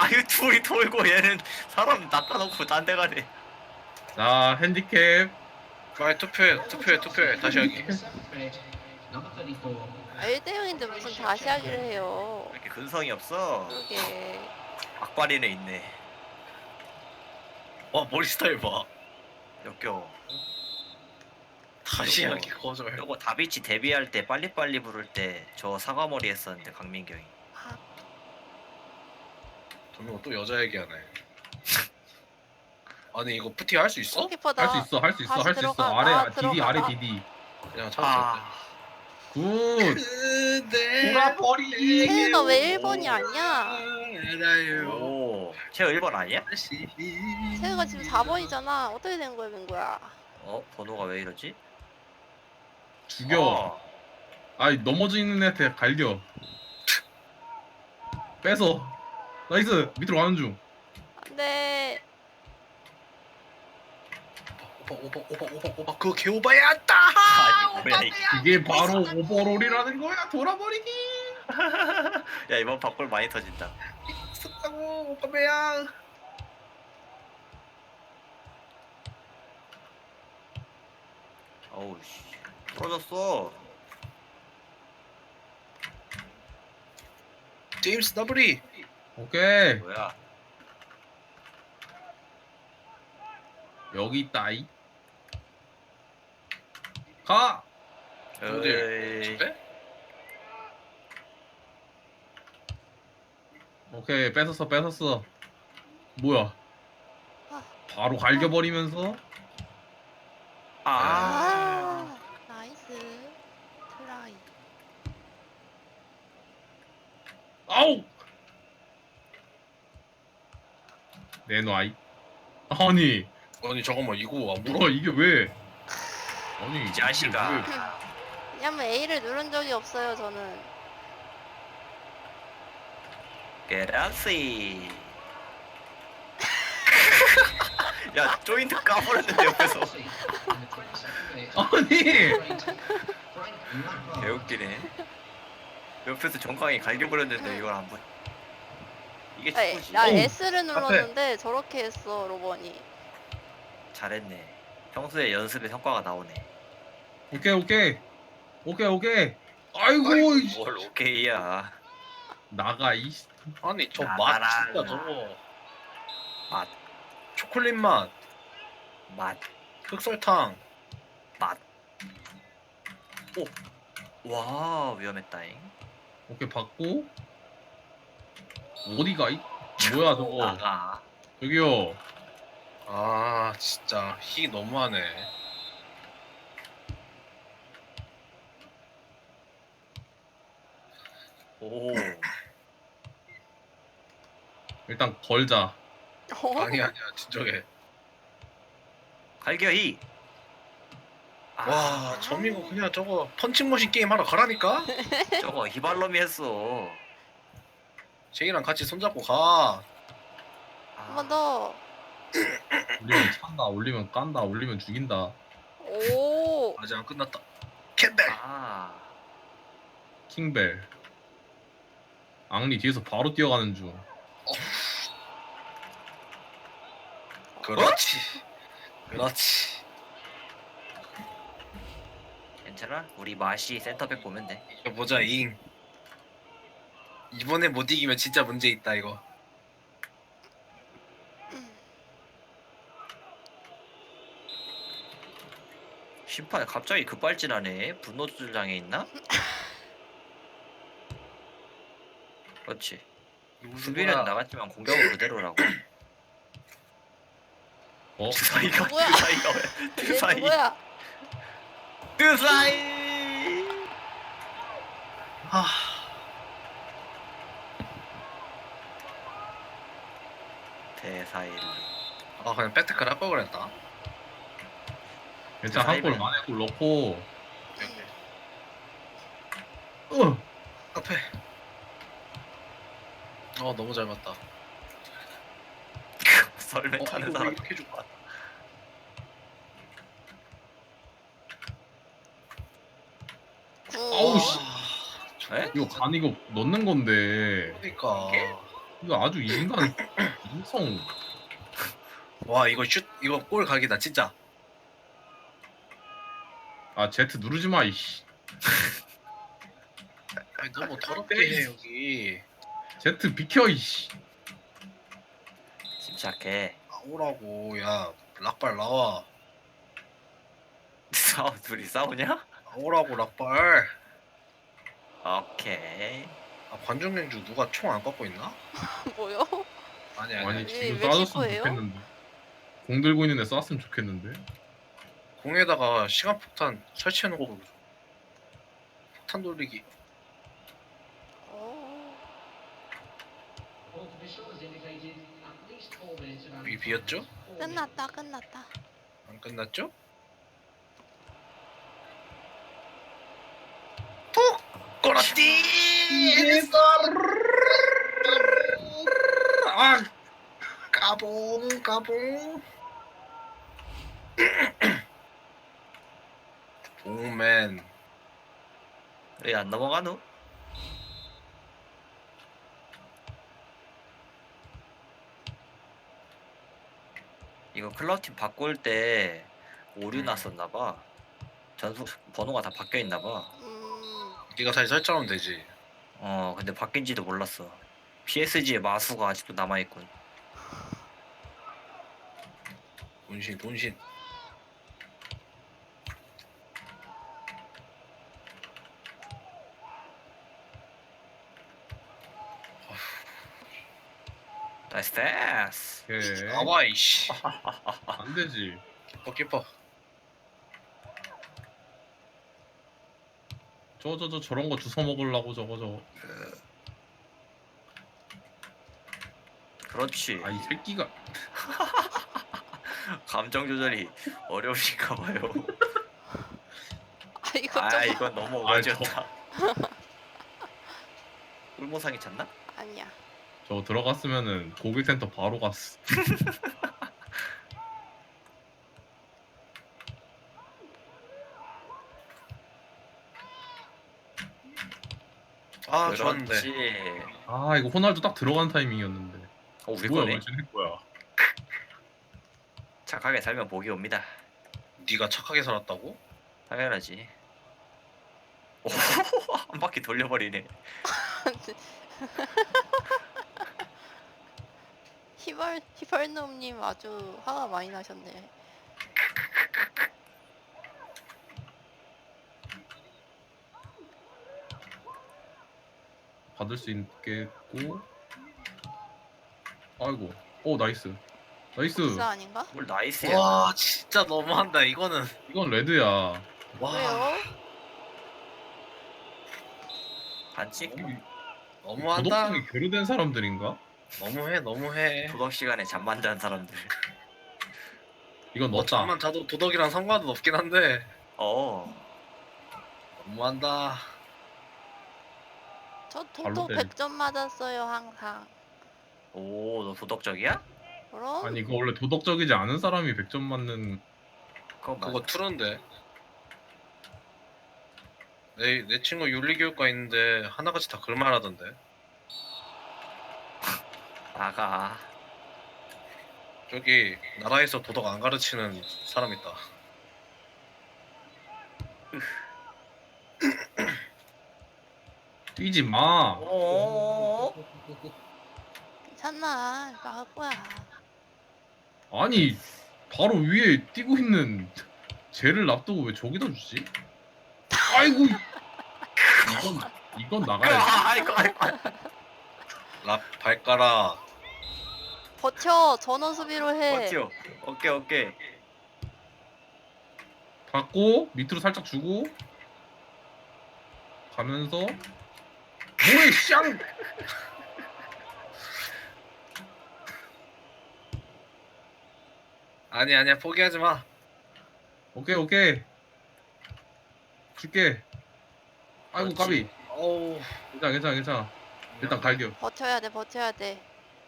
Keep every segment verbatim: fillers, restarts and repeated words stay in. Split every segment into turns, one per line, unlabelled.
아유 둘이 돌고 얘는 사람 낚아놓고 딴 데 가네.
자 핸디캡.
빨리 투표해 투표해 투표해 다시 하기.
아, 일 대 영인데 무슨 다시 하기를 해요.
왜 이렇게 근성이 없어?
그러게.
악바리는 있네.
와 머리 스타일 봐.
역겨워.
다시
요거-
하기 거절.
요거 다비치 데뷔할 때 빨리빨리 부를 때 저 사과머리 했었는데 강민경이.
아,
도민아 또 여자 얘기하네. 아니 이거 푸티 할 수 있어?
골키퍼다.
할 수 있어 할 수 있어
다시
할 수 있어.
들어가.
아래
아,
아, 디디
들어가.
아래
아.
디디.
그냥 찾았을
아,
굿.
그대
돌아버리기.
태우가 왜 일 번이 아니야?
알아요.
오, 제가 일 번 아니야?
다시.
태우가 지금 사 번이잖아. 어떻게 된 거야, 민구야?
어, 번호가 왜 이러지?
죽여.
어,
아이 넘어져 있는 애한테 갈겨. 뺏어. 나이스. 밑으로 가는 중.
안돼.
오빠 오빠 오빠 오빠 오빠 그거 개오바야 안다.
아니, 뭐야, 이게.
이게 바로 오버롤이라는 거야. 돌아버리기.
야 이번 바꿀 많이 터진다.
있었다고 오빠 매야.
어우 씨, 떨어졌어.
제임스 더블이.
오케이.
뭐야?
여기 있다. 이. 가.
어디?
에이,
집에?
오케이 뺏었어 뺏었어. 뭐야?
아.
바로 갈겨버리면서.
아,
아, 나이스. 트라이.
아우. 내놔이. 아니.
아니 잠깐만 이거 안 물어?
뭐야 이게 왜? 아니
이 자식아.
이게 왜?
왜냐면 A를 누른 적이 없어요, 저는.
게라시. 야 조인트 까버렸는데 옆에서.
아니.
개웃기네. 옆에서 정강이 갈겨버렸는데 이걸 안 보. 이게
아,
축구지.
나
어우,
S를 눌렀는데 저렇게 했어, 로번이.
잘했네. 평소에 연습에 성과가 나오네.
오케이 오케이 오케이 오케이. 아이고 이씨.
뭘 오케이야.
나가 이.
아니 저 맛
나가라.
진짜 저거
맛,
초콜릿 맛,
맛,
흑설탕.
맛. 오, 와 위험했다잉.
오케이 받고. 어디가 이? 뭐야 저거?
나가.
저기요.
아 진짜 희 너무하네.
오,
일단 걸자.
어?
아니 아니야 진정해.
갈겨이. 아,
와 저민고 그냥 저거 펀칭머신 게임 하러 가라니까.
저거 히발롬이 했어.
제이랑 같이 손잡고 가.
한 번 더.
올리면 찬다. 올리면 깐다. 올리면 죽인다.
오.
아직 안 끝났다. 캔벨.
아,
킹벨. 앙리 뒤에서 바로 뛰어가는 중.
그렇지. 그렇지.
괜찮아? 우리 마시 센터백 보면 돼.
이거 보자 잉. 이번에 못 이기면 진짜 문제 있다 이거.
심판 갑자기 급발진하네. 분노 조절 장애 있나? 그렇지. 수비는 나갔지만 공격은 그대로라고.
어?
드사이가
뭐야?
드사이가 왜?
얘
드사이.
누구야?
드사이.
하.
대사일.
아 그냥 백테클 할 걸 그랬다.
일단 한골 만에 골 넣고.
오케이.
어.
앞에. 어 너무 잘 맞다.
썰매
어,
타는
이거
사람.
이렇게 해줄까?
구.
아우 씨.
에?
이거 간 이거 넣는 건데.
그러니까.
이게?
이거 아주 인간 인성.
와 이거 슛 이거 골 각이다 진짜.
아 제트 누르지 마 이씨.
아니 너무 더럽게 해 여기.
제트 비켜 이씨.
침착해.
나오라고 야 락발 나와.
싸우 둘이 싸우냐?
나오라고 락발.
오케이.
아 관중경주 누가 총 안 갖고 있나?
뭐요?
아니 아니.
아니
아니.
지금
왜
쏴줬으면
씻고예요?
좋겠는데. 공 들고 있는 애 쐈으면 좋겠는데.
공에다가 시간 폭탄 설치해놓고 폭탄 돌리기.
어.
여기 비었죠?
끝났다 끝났다.
안 끝났죠? 톡! 꼬라띠! 아! 까봉 까봉 봉맨
왜 안 넘어가노? 이거 클럽팀 바꿀 때 오류 났었나봐. 전속 번호가 다 바뀌어 있나봐.
음.
네가 다시 설정하면 되지.
어 근데 바뀐지도 몰랐어. 피에스지의 마수가 아직도 남아있군.
돈신 돈신.
나이스 패스.
오케이.
나와 이씨.
안 되지.
키퍼 키퍼.
저 저 저 저런 거 주워 먹으려고 저거 저거.
그렇지.
아 이 새끼가.
감정 조절이 어려우신가 봐요.
아 이거 좀
아 이건 너무
아,
어거지였다. 꿀모상이 찼나?
아니야.
저거 들어갔으면은 고객센터 바로 갔어.
아 좋았는데.
그렇지.
아 이거 호날두 딱 들어간 타이밍이었는데.
어 우리
뭐야
거네.
왜 쟤네 거야?
착하게 살면 복이 옵니다.
네가 착하게 살았다고?
당연하지. 오, 한 바퀴 돌려버리네.
히벌 히벌놈님 아주 화가 많이 나셨네.
받을 수 있겠고. 아이고. 오 나이스. 나이스.
복사 아닌가?
뭘 나이스야.
와 진짜 너무한다 이거는.
이건 레드야.
와
왜요?
반칙?
너무한다.
도덕성이 교류된 사람들인가?
너무해 너무해.
도덕 시간에 잠만 자는 사람들.
이건
뭐
넣었다.
잠만 자도 도덕이랑 상관은 없긴 한데
어.
너무한다.
저
발로
톡톡
때리-
백 점 맞았어요 항상.
오, 너 도덕적이야?
그럼
아니 이거 원래 도덕적이지 않은 사람이 백 점 맞는.
그거 맞.
그거 투른데. 내, 내 친구 윤리교육과 있는데 하나같이 다 그말 하던데.
나가.
저기 나라에서 도덕 안 가르치는 사람 있다.
뛰지 마.
오.
괜찮아. 나갈 거야.
아니 바로 위에 뛰고 있는 쟤를 놔두고 왜 저기다 주지? 아이고. 이건 이건 나가야지.
아이고 아이고.
랍 발가락.
버텨. 전원 수비로 해.
버텨. 오케이 오케이.
받고 밑으로 살짝 주고 가면서 뭐해 쌍.
아니 아니야 포기하지 마.
오케이 오케이 줄게. 아이고
그렇지.
까비.
어우.
괜찮아 괜찮아 괜찮아. 일단 갈겨.
버텨야 돼. 버텨야 돼.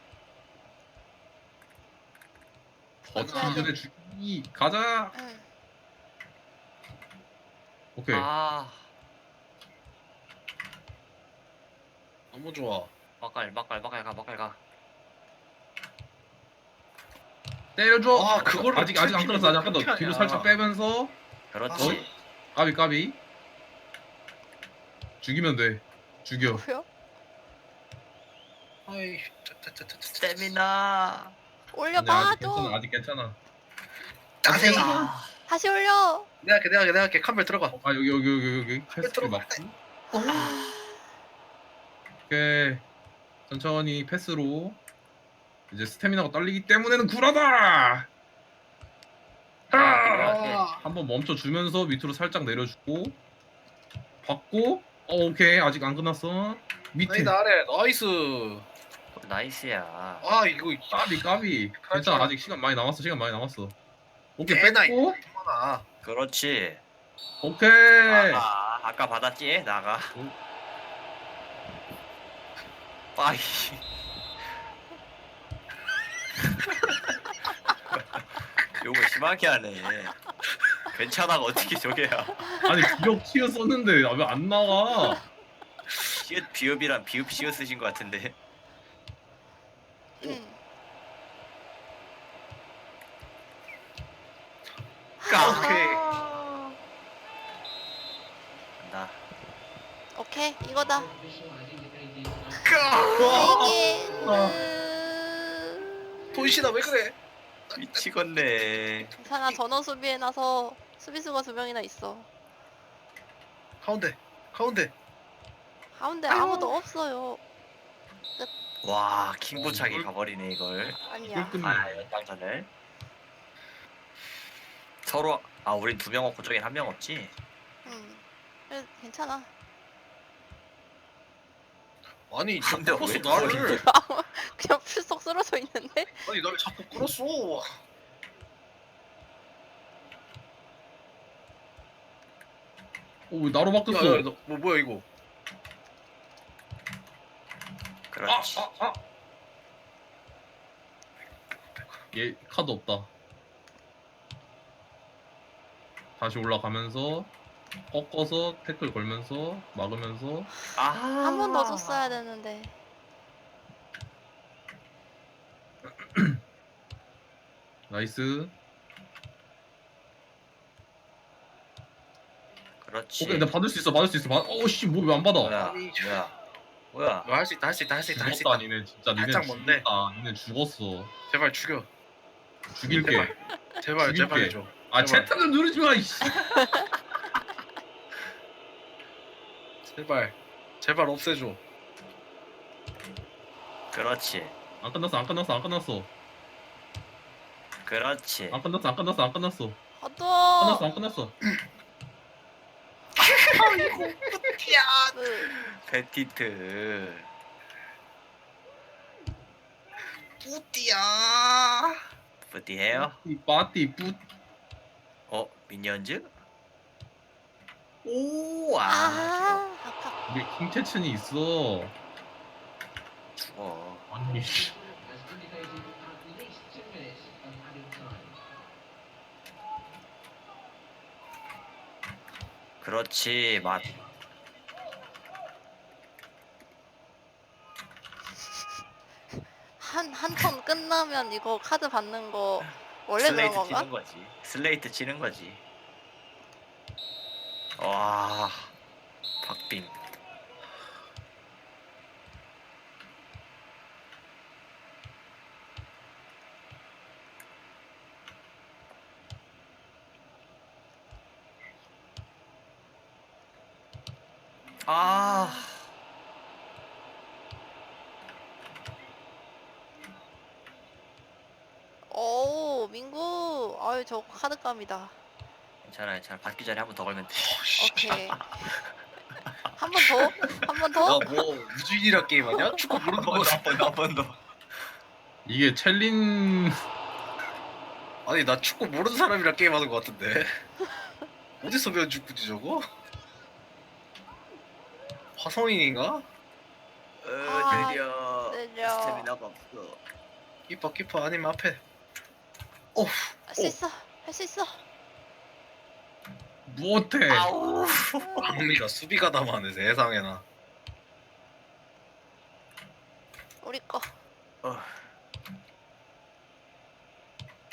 어찌
버텨야 돼.
전에 주기 가자.
응.
오케이.
아.
너무 좋아.
막갈 막갈 막갈 가 막갈 가.
때려줘.
아, 그거를
아직 아직 안 끊었어. 아직 안 끊었어.
어떻게
뒤로
하냐.
살짝 빼면서
그렇지.
까비 까비. 죽이면 돼. 죽여.
뭐요?
아이, 짜, 짜, 짜, 짜, 짜.
스태미나.
올려봐
아니야, 아직
좀.
괜찮아. 아직 괜찮아.
짜증나.
아,
다시 올려.
내가 할게, 내가 할게, 내가 할게. 컴퓨터 들어가.
아 여기 여기 여기 여기 패스키
들어가.
맞고. 오케이. 천천히 패스로. 이제 스태미나가 딸리기 때문에는 굴하다.
아,
아,
한번 멈춰 주면서 밑으로 살짝 내려주고 받고. 어, 오케이. 아직 안 끝났어. 밑에.
아니다 아래. 나이스.
나이스야.
아, 이거
까비 까비. 괜찮아. 아직 시간 많이 남았어. 시간 많이 남았어. 오케이.
꽤나
뺐고.
많아.
그렇지.
오케이.
아, 아까 받았지? 나가.
오.
빠이. 요거 심하게 하네. 괜찮아가 어떻게 저게야.
아니 기억 치어 썼는데 왜 안 나와?
시읒 비읍이랑 비읍 시읒 쓰신 것 같은데.
음.
까.
오케이.
간다.
오케이 이거다.
까.
이게.
아.
돈시다 왜 그래?
미치겠네.
괜찮아 전원 수비에 나서 수비수가 두 명이나 있어.
가운데, 가운데.
가운데 아무도 없어요.
와, 킹보차기 가버리네 이걸.
아니야.
이걸 끝내.
아, 연장전을. 서로 아, 우린 두 명 없고 저긴 한 명 없지.
음. 그래, 괜찮아.
아니,
근데
자꾸 끌었어
왜
나를.
그냥 풀썩 쓰러져 있는데.
아니, 나를 자꾸 끌었어.
오, 나로 바뀌었어.
야, 야, 너, 뭐 뭐야 이거?
그렇지.
아, 아, 아. 얘 카드 없다. 다시 올라가면서 꺾어서 태클 걸면서 막으면서.
아,
한 번 더 줬어야 되는데.
나이스.
그렇지.
오케이, 나 받을 수 있어. 받을 수 있어. 받... 어씨, 뭐 왜 안 받아?
뭐야?
아니,
뭐야? 뭐야?
할 수 있다, 할 수 있다, 할 수 있다, 할 수
죽었다,
있다.
니네 진짜. 니네
살짝 뭔데?
죽었다. 니네 죽었어.
제발 죽여.
죽일게.
제발,
죽일게.
제발 해줘.
아,
제발.
채팅 좀 누르지 마. 이씨.
제발, 제발 없애줘.
그렇지.
안 끝났어. 안 끝났어. 안 끝났어.
그렇지.
안 끝났어. 안 끝났어. 안 끝났어.
어도.
끝났어. 안 끝났어.
야,
페티트.
뿌띠야.
부디해요?
이 빠띠 뿌.
어, 미니언즈? 오, 아,
아, 아까
우리 킹체천이 있어.
죽어.
아니. 씨.
그렇지, 맛.
한한 턴 끝나면 이거 카드 받는 거 원래 그런
슬레이트
건가?
치는 거지. 슬레이트 치는 거지. 와, 박빙. 아,
오 민구. 아유 저 카드감이다.
괜찮아, 괜찮아. 받기 전에 한 번 더 걸면 돼.
오케이. 한 번 더? 한 번 더?
나뭐 우주인이라 게임 아니야? 축구 모르는 거.
한번 더, 한 번 더.
이게 챌린.
아니, 나 축구 모르는 사람이랑 게임하는 거 같은데. 어디서 배운 축구지 저거? 화성인인가?
어,
아,
느려.
느려.
스태미나가 없어.
키퍼 키퍼 아니면 앞에. 어,
할 수 있어. 할 수 있어.
못해.
아우.
박미가 수비가 담아네 세상에나.
우리 거.
어.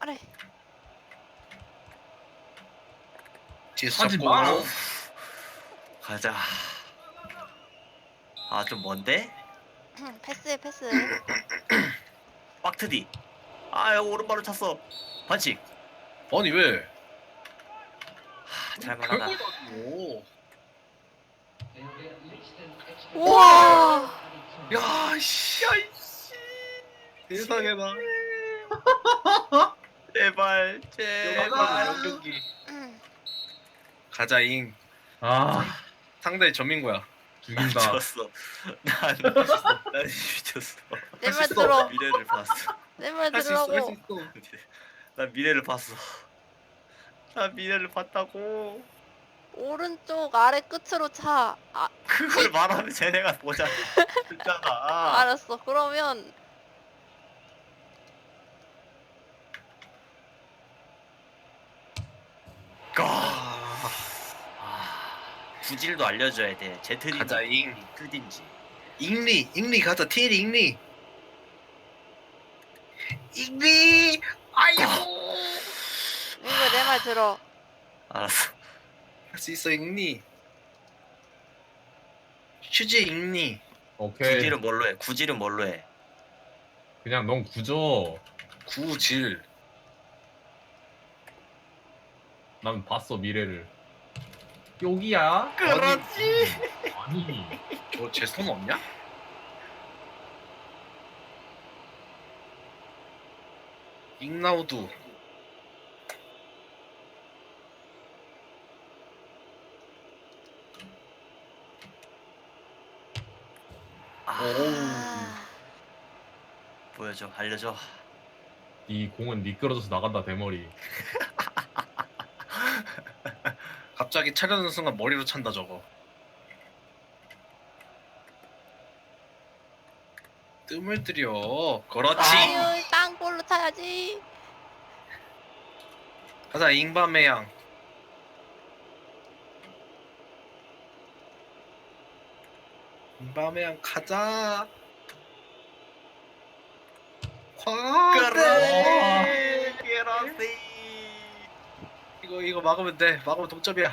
아래.
뒤에서
하지
잡고.
마.
가자. 아 좀 먼데?
응, 패스해 패스.
빡트디. 아 오른발로 찼어. 반칙.
아니 왜?
하, 잘만하다.
오.
우와.
야 씨. 세상에나.
제발 제발.
연경기.
응.
가자잉.
아
상대 전민구야.
죽인다.
졌어. 난, 난 미쳤어.
내
수
말
있어.
들어.
미래를 봤어.
내 말
할 수 있어. 할 수
들으라고.
있어.
난 미래를 봤어. 난 미래를 봤다고.
오른쪽 아래 끝으로 차. 아,
그걸 말하면 쟤네가 보자. 듣잖아.
알았어. 그러면
아, 구질도 알려줘야 돼. 제트딘지
가자잉.
큐딘지.
잉리, 잉리 가자. 티리 잉리. 잉리. 아이고.
민구야 내 말 들어.
알았어.
할 수 있어 잉리. 슈즈 잉리.
오케이.
구질은 뭘로 해? 구질은 뭘로 해?
그냥 넌 구져.
구질.
난 봤어 미래를. 여기야?
그렇지.
아니.
저제 손 없냐? 잉나우두.
아,
아,
보여줘. 알려줘.
이 공은 미끄러져서 나간다 대머리.
갑자기 차려는 순간 머리로 찬다 저거. 뜸을 들여. 그렇지.
아유 땅볼로 차야지.
가자 잉바메양. 잉바메양 가자. 과대.
그렇지.
이거 이거 막으면 돼. 막으면 동점이야.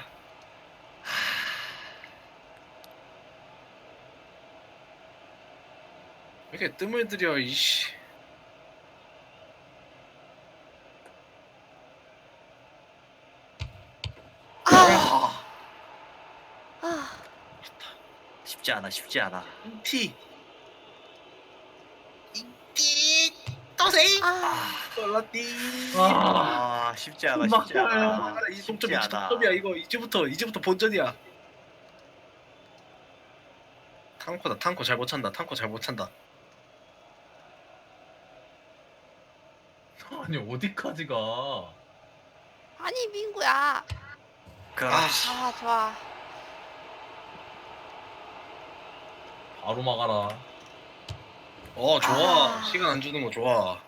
왜 이렇게 뜸을 들여 이씨.
아, 아,
쉽지 않아. 쉽지 않아.
티. 이띠 또세이.
아,
떨라띠.
아.
아 쉽지 않아. 쉽지 않아.
아, 이 동점
쉽지
이
않아.
동점이야 이거 이제부터 이제부터 본전이야. 탕코다 탕코 잘 못 찬다 탕코 잘 못 찬다.
아니 어디까지 가?
아니 민구야.
그렇지.
아 좋아.
바로 막아라.
어 좋아.
아.
시간 안 주는 거 좋아.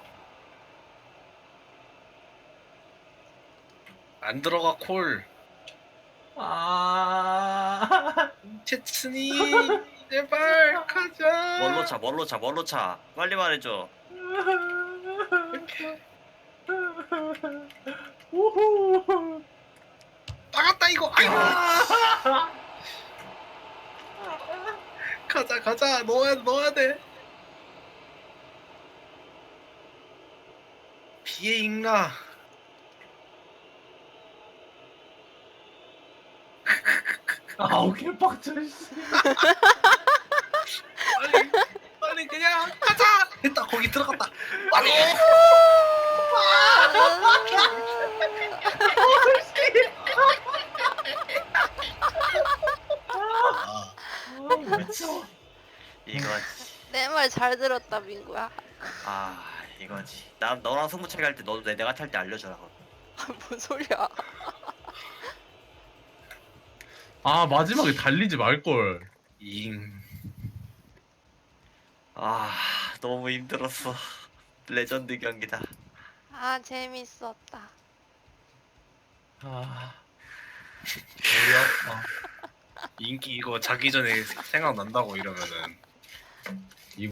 안 들어가 콜.
아.
채츠니 제발 가자.
뭘로 차? 뭘로 차? 뭘로 차? 빨리 말해줘.
우후.
나갔다 이거. 아이고. 가자 가자 넣어야 넣어야 돼. 비에 익나.
아우 개빡쳐. 씨.
빨리 빨리 그냥 가자. 됐다 거기 들어갔다. 빨리. 아,
아, 미쳐.
이거지.
내 말 잘 들었다 민구야.
아 이거지. 나 너랑 승부차기 할 때 너도 내 내가 탈 때 알려줘라.
뭔 소리야?
아 마지막에 달리지 말 걸.
잉.
아 너무 힘들었어. 레전드 경기다.
아 재밌었다.
아. 머리 아파.
인기 이거 자기 전에 생각난다고 이러면은